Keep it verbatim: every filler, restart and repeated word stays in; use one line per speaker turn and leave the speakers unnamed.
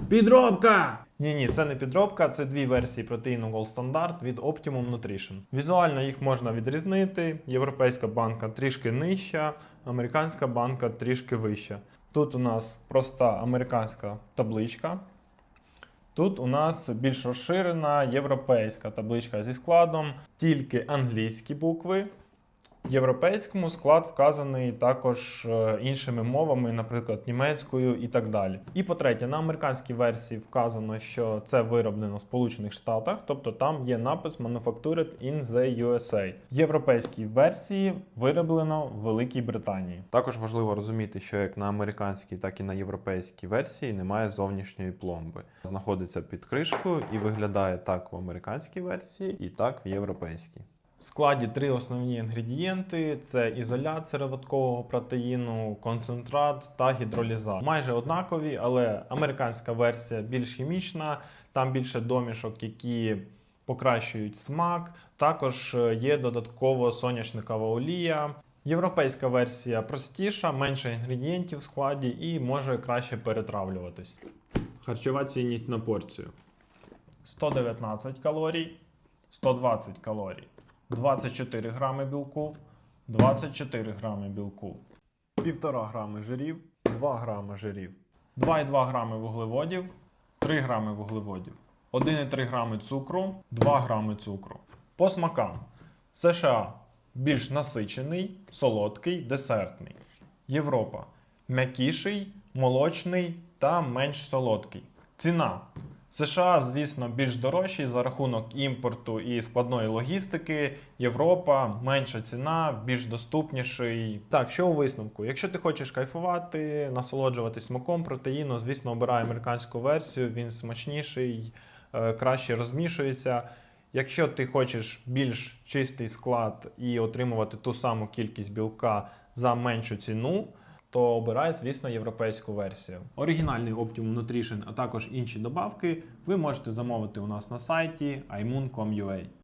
Підробка! Ні-ні, це не підробка, це дві версії протеїну Gold Standard від Optimum Nutrition. Візуально їх можна відрізнити. Європейська банка трішки нижча, американська банка трішки вища. Тут у нас проста американська табличка. Тут у нас більш розширена європейська табличка зі складом, тільки англійські букви. В європейському склад вказаний також іншими мовами, наприклад, німецькою і так далі. І по-третє, на американській версії вказано, що це вироблено в Сполучених Штатах, тобто там є напис Manufactured in the ю ес ей. В європейській версії вироблено в Великій Британії. Також важливо розуміти, що як на американській, так і на європейській версії немає зовнішньої пломби. Знаходиться під кришкою і виглядає так в американській версії і так в європейській. В складі три основні інгредієнти – це ізолят сироваткового протеїну, концентрат та гідролізат. Майже однакові, але американська версія більш хімічна, там більше домішок, які покращують смак. Також є додатково соняшникова олія. Європейська версія простіша, менше інгредієнтів в складі і може краще перетравлюватись. Харчова цінність на порцію. сто дев'ятнадцять калорій, сто двадцять калорій. двадцять чотири грами білку, двадцять чотири грами білку, півтора грами жирів, два грами жирів, два і два грами вуглеводів, три грами вуглеводів, один і три грами цукру, два грами цукру. По смакам. США більш насичений, солодкий, десертний. Європа м'якіший, молочний та менш солодкий. Ціна. США, звісно, більш дорожчі за рахунок імпорту і складної логістики. Європа менша ціна, більш доступніший. Так, що у висновку? Якщо ти хочеш кайфувати, насолоджуватись смаком протеїну, звісно, обирай американську версію, він смачніший, краще розмішується. Якщо ти хочеш більш чистий склад і отримувати ту саму кількість білка за меншу ціну, то обирай, звісно, європейську версію. Оригінальний Optimum Nutrition, а також інші добавки ви можете замовити у нас на сайті ай мун крапка ком крапка ю а.